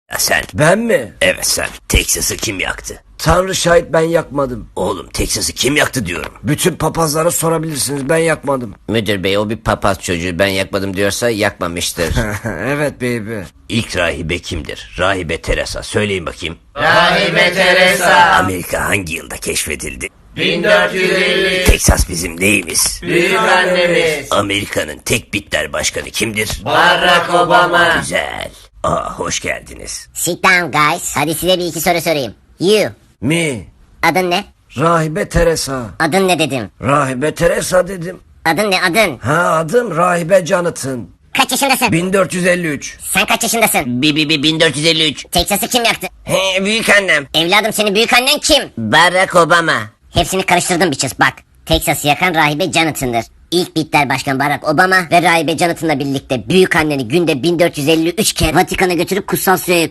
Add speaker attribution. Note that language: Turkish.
Speaker 1: Ya sen.
Speaker 2: Ben mi?
Speaker 1: Evet sen. Texas'ı kim yaktı?
Speaker 2: Tanrı şahit, ben yakmadım.
Speaker 1: Oğlum Texas'ı kim yaktı diyorum.
Speaker 2: Bütün papazlara sorabilirsiniz, ben yakmadım.
Speaker 1: Müdür bey, o bir papaz çocuğu, ben yakmadım diyorsa yakmamıştır.
Speaker 2: Evet baby.
Speaker 1: İlk rahibe kimdir? Rahibe Teresa. Söyleyin bakayım.
Speaker 3: Rahibe Teresa.
Speaker 1: Amerika hangi yılda keşfedildi?
Speaker 3: 1450.
Speaker 1: Texas bizim neyimiz?
Speaker 3: Büyük annemiz.
Speaker 1: Amerika'nın tek bitler başkanı kimdir?
Speaker 3: Barack Obama.
Speaker 1: Güzel. Hoş geldiniz.
Speaker 4: Sit down guys. Hadi size bir iki soru sorayım. You.
Speaker 2: Mi?
Speaker 4: Adın ne?
Speaker 2: Rahibe Teresa.
Speaker 4: Adın ne dedim.
Speaker 2: Rahibe Teresa dedim.
Speaker 4: Adın ne adın?
Speaker 2: Ha, adım Rahibe Jonathan.
Speaker 4: Kaç yaşındasın?
Speaker 2: 1453.
Speaker 4: Sen kaç yaşındasın?
Speaker 1: 1453.
Speaker 4: Texas'ı kim yaktı?
Speaker 1: He, büyük annem.
Speaker 4: Evladım, senin büyük annen kim?
Speaker 1: Barack Obama.
Speaker 4: Hepsini karıştırdım biçiz bak. Texas'ı yakan Rahibe Jonathan'dır. İlk bitler başkan Barack Obama ve Rahibe Jonathan'la birlikte büyük anneni günde 1453 kere Vatikan'a götürüp kutsal suya